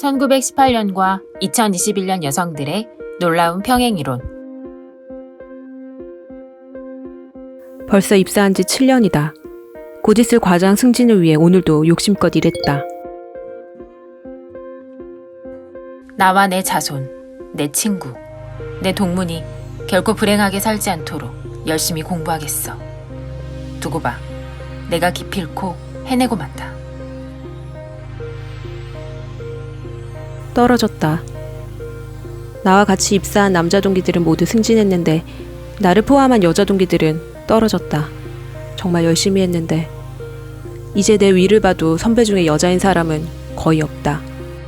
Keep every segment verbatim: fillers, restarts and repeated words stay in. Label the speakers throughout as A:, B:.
A: 천구백십팔 년과 이천이십일 년 여성들의 놀라운 평행이론.
B: 벌써 입사한 지 칠 년이다. 곧 있을 과장 승진을 위해 오늘도 욕심껏 일했다.
A: 나와 내 자손, 내 친구, 내 동문이 결코 불행하게 살지 않도록 열심히 공부하겠어. 두고 봐. 내가 기필코 해내고 만다.
B: 떨어졌다. 나와 같이 입사한 남자 동기들은 모두 승진했는데 나를 포함한 여자 동기들은 떨어졌다. 정말 열심히 했는데 이제 내 위를 봐도 선배 중에 여자인 사람은 거의 없다.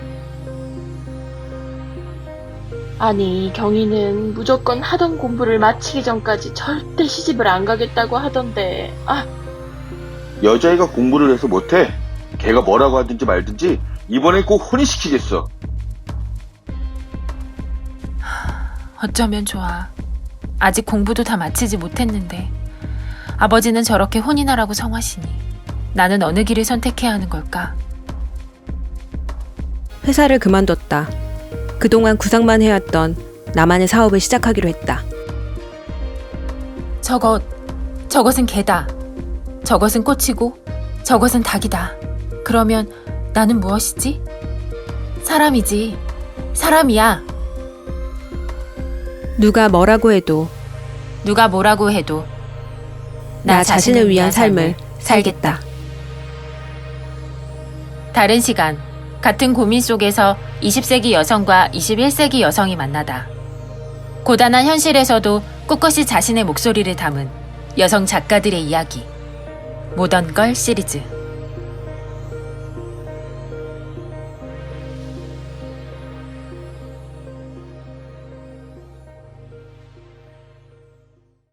C: 아니, 경희는 무조건 하던 공부를 마치기 전까지 절대 시집을 안 가겠다고 하던데. 아,
D: 여자애가 공부를 해서 못해. 걔가 뭐라고 하든지 말든지 이번엔 꼭 혼인시키겠어.
A: 어쩌면 좋아. 아직 공부도 다 마치지 못했는데 아버지는 저렇게 혼인하라고 성하시니 나는 어느 길을 선택해야 하는 걸까?
B: 회사를 그만뒀다. 그동안 구상만 해왔던 나만의 사업을 시작하기로 했다.
A: 저것, 저것은 개다. 저것은 꽃이고 저것은 닭이다. 그러면 나는 무엇이지? 사람이지. 사람이야.
B: 누가 뭐라고 해도
A: 누가 뭐라고 해도
B: 나 자신을 위한 삶을 살겠다.
A: 다른 시간, 같은 고민 속에서 이십 세기 여성과 이십일 세기 여성이 만나다. 고단한 현실에서도 꿋꿋이 자신의 목소리를 담은 여성 작가들의 이야기. 모던걸 시리즈.